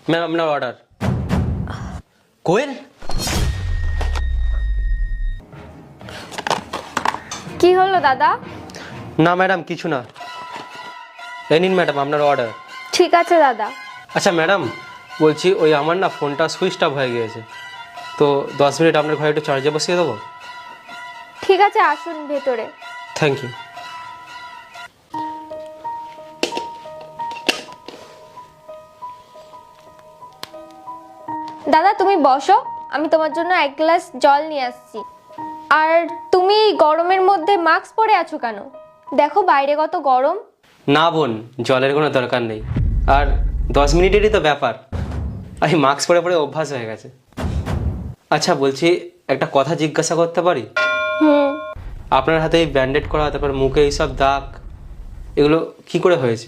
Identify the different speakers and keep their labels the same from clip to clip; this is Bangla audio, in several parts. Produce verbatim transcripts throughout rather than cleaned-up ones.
Speaker 1: ম্যাম আপনার অর্ডার। কোয়েল,
Speaker 2: কি হলো দাদা?
Speaker 1: না ম্যাডাম কিছু না। এই নিন ম্যাডাম আপনার অর্ডার।
Speaker 2: ঠিক আছে দাদা।
Speaker 1: আচ্ছা ম্যাডাম, বলছি ওই আমার না ফোনটা সুইচ অফ হয়ে গিয়েছে, তো দশ মিনিট আপনার ঘরে একটু চার্জে বসিয়ে দেবো?
Speaker 2: ঠিক আছে, আসুন ভেতরে।
Speaker 1: Thank you.
Speaker 2: দাদা তুমি বসো, আমি তোমার জন্য এক গ্লাস জল নিয়ে আসছি। আর তুমি গরমের মধ্যে মাস্ক পরে আছো কেন? দেখো বাইরে কত গরম।
Speaker 1: না বোন, জলের কোনো দরকার নেই, আর দশ মিনিটেরই তো ব্যাপার, আমি মাস্ক পরে পরে অভ্যাস হয়ে গেছে। আচ্ছা বলছি, একটা কথা জিজ্ঞাসা করতে পারি?
Speaker 2: হুম।
Speaker 1: আপনার হাতে এই ব্যান্ডেড করা, তারপর মুখে এইসব দাগ, এগুলো কি করে হয়েছে?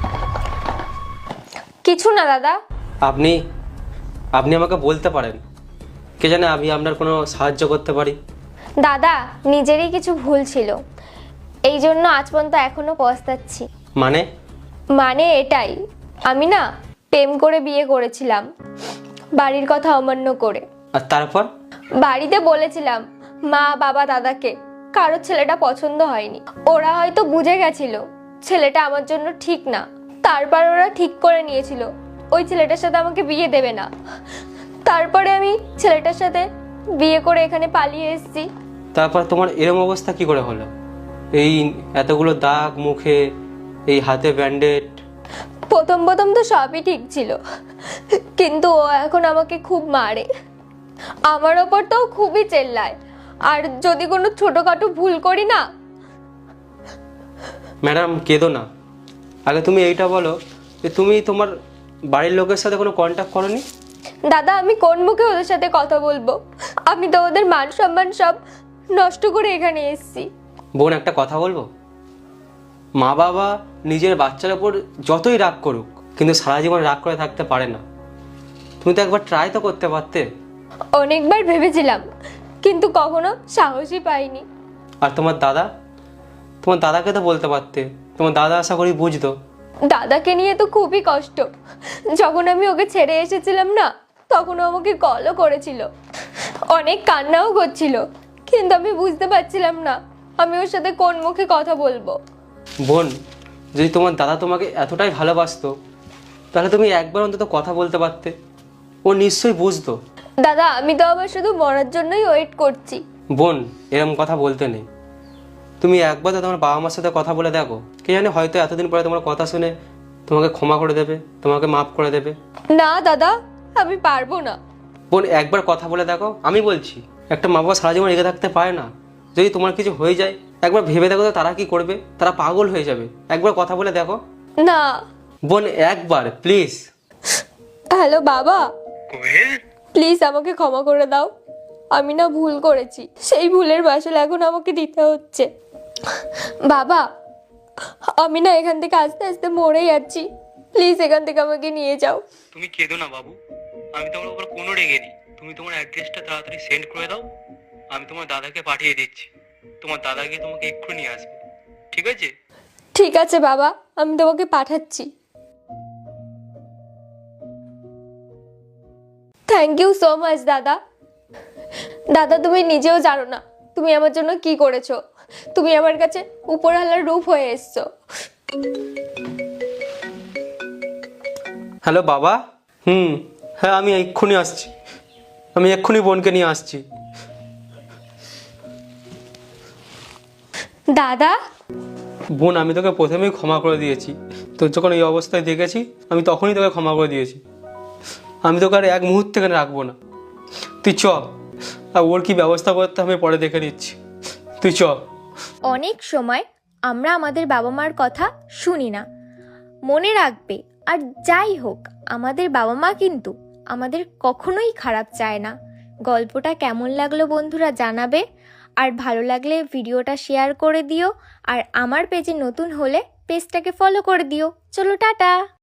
Speaker 2: কিছু না দাদা।
Speaker 1: আপনি আপনি আমাকে বলতে পারেন, কে জানে আমি আপনার কোনো সাহায্য করতে পারি।
Speaker 2: দাদা নিজেরই কিছু ভুল ছিল, এই জন্য আজ পর্যন্ত এখনো পস্তাচ্ছি।
Speaker 1: মানে?
Speaker 2: মানে এটাই, আমি না প্রেম করে বিয়ে করেছিলাম, বাড়ির কথা অমান্য করে।
Speaker 1: আর তারপর?
Speaker 2: বাড়িতে বলেছিলাম মা বাবা দাদাকে, কারোর ছেলেটা পছন্দ হয়নি। ওরা হয়তো বুঝে গেছিল ছেলেটা আমার জন্য ঠিক না, তারপর ওরা ঠিক করে নিয়েছিল ওই ছেলেটার সাথে আমাকে বিয়ে দেবে না। তারপরে আমি ছেলেটার সাথে বিয়ে করে এখানে পালিয়ে এসেছি।
Speaker 1: তারপর তোমার এরম অবস্থা কি করে হলো? এই এতগুলো দাগ মুখে, এই হাতে ব্যান্ডেড।
Speaker 2: প্রথম প্রথম তো সবই ঠিক ছিল, কিন্তু ও এখন আমাকে খুব মারে, আমার ওপর তো খুবই চেল্লায়, আর যদি কোনো ছোটখাটো ভুল করি না।
Speaker 1: ম্যাডাম কেঁদো না, আগে তুমি এইটা বলো যে তুমি তোমার বাড়ির লোকের সাথে কোনো কন্ট্যাক্ট করোনি?
Speaker 2: দাদা আমি কোন মুখে ওদের সাথে কথা বলবো? আমি তো ওদের মান সম্মান সব নষ্ট করে এখানে এসেছি।
Speaker 1: বোন একটা কথা বলবো, মা বাবা নিজের বাচ্চার ওপর যতই রাগ করুক, কিন্তু সারা জীবন রাগ করে থাকতে পারে না। তুমি তো একবার ট্রাই তো করতে পারতে।
Speaker 2: অনেকবার ভেবেছিলাম, কিন্তু কখনো সাহসই পাইনি।
Speaker 1: আর তোমার দাদা, তোমার দাদাকে তো বলতে পারতে, তোমার দাদা আশা করি বুঝতো।
Speaker 2: দাদাকে নিয়ে তো খুবই কষ্ট, যখন আমি ওকে ছেড়ে এসেছিলাম না, তখন ও আমাকে কলও করেছিল, অনেক কান্নাও করছিল, কিন্তু আমি বুঝতে পারছিলাম না আমি ওর সাথে কোন মুখে কথা বলবো।
Speaker 1: বোন, যদি তোমার দাদা তোমাকে এতটাই ভালোবাসতো, তাহলে তুমি একবার অন্তত কথা বলতে পারতে, ও নিশ্চয়ই বুঝতো।
Speaker 2: দাদা আমি তো আবার শুধু মরার জন্যই ওয়েট করছি।
Speaker 1: বোন এরকম কথা বলতে নেই, তুমি একবার তো তোমার বাবা মার সাথে কথা বলে দেখো, কে জানে হয়তো এতদিন পরে তোমার কথা শুনে তোমাকে ক্ষমা করে দেবে, তোমাকে মাফ করে দেবে।
Speaker 2: না দাদা, আমি পারবো না।
Speaker 1: বোন একবার কথা বলে দেখো, আমি বলছি, একটা মা বাবা সারা জীবন রেগে থাকতে পারে না। যদি তোমার কিছু হয়ে যায়, একবার ভেবে দেখো তো তারা কি করবে, তারা পাগল হয়ে যাবে। একবার কথা বলে দেখো
Speaker 2: না।
Speaker 1: বোন, একবার প্লিজ।
Speaker 2: হ্যালো বাবা, প্লিজ আমাকে ক্ষমা করে দাও, আমি না ভুল করেছি, সেই ভুলের মাসুল এখন আমাকে দিতে হচ্ছে। বাবা আমি না এখান থেকে আস্তে আস্তে মরে যাচ্ছি, প্লিজ এখান থেকে আমাকে নিয়ে যাও।
Speaker 1: তুমি কেঁদো না বাবু, আমি তোমার উপর কোনো রেগে নেই। তুমি তোমার অ্যাড্রেসটা তাড়াতাড়ি সেন্ড করে দাও, আমি তোমার দাদাকে পাঠিয়ে দিচ্ছি। তোমার দাদা গিয়ে তোমাকে এক্ষুনি নিয়ে আসবে, ঠিক আছে?
Speaker 2: ঠিক আছে বাবা, আমি তোমাকে পাঠাচ্ছি। থ্যাংক ইউ সো মাচ দাদা। দাদা তুমি নিজেও জানো না তুমি আমার জন্য কি করেছো, তুমি আমার কাছে উপরওয়ালার রূপ হয়ে এসছো।
Speaker 1: হ্যালো বাবা। হুম, হ্যাঁ আমি এক্ষুনি আসছি, আমি এক্ষুনি বোনকে নিয়ে আসছি।
Speaker 2: দাদা
Speaker 1: বোন আমি তোকে প্রথমেই ক্ষমা করে দিয়েছি, তোর যখন এই অবস্থায় দেখেছি আমি তখনই তোকে ক্ষমা করে দিয়েছি। আমি তোকে আর এক মুহূর্ত এখানে রাখবো না, তুই চ, আর ওর কি ব্যবস্থা করতে আমি পরে দেখে নিচ্ছি, তুই চ।
Speaker 3: অনেক সময় আমরা আমাদের বাবা মার কথা শুনি না, মনে রাখবে আর যাই হোক আমাদের বাবা মা কিন্তু আমাদের কখনোই খারাপ চায় না। গল্পটা কেমন লাগলো বন্ধুরা জানাবে, আর ভালো লাগলে ভিডিওটা শেয়ার করে দিও, আর আমার পেজে নতুন হলে পেজটাকে ফলো করে দিও। চলো টাটা।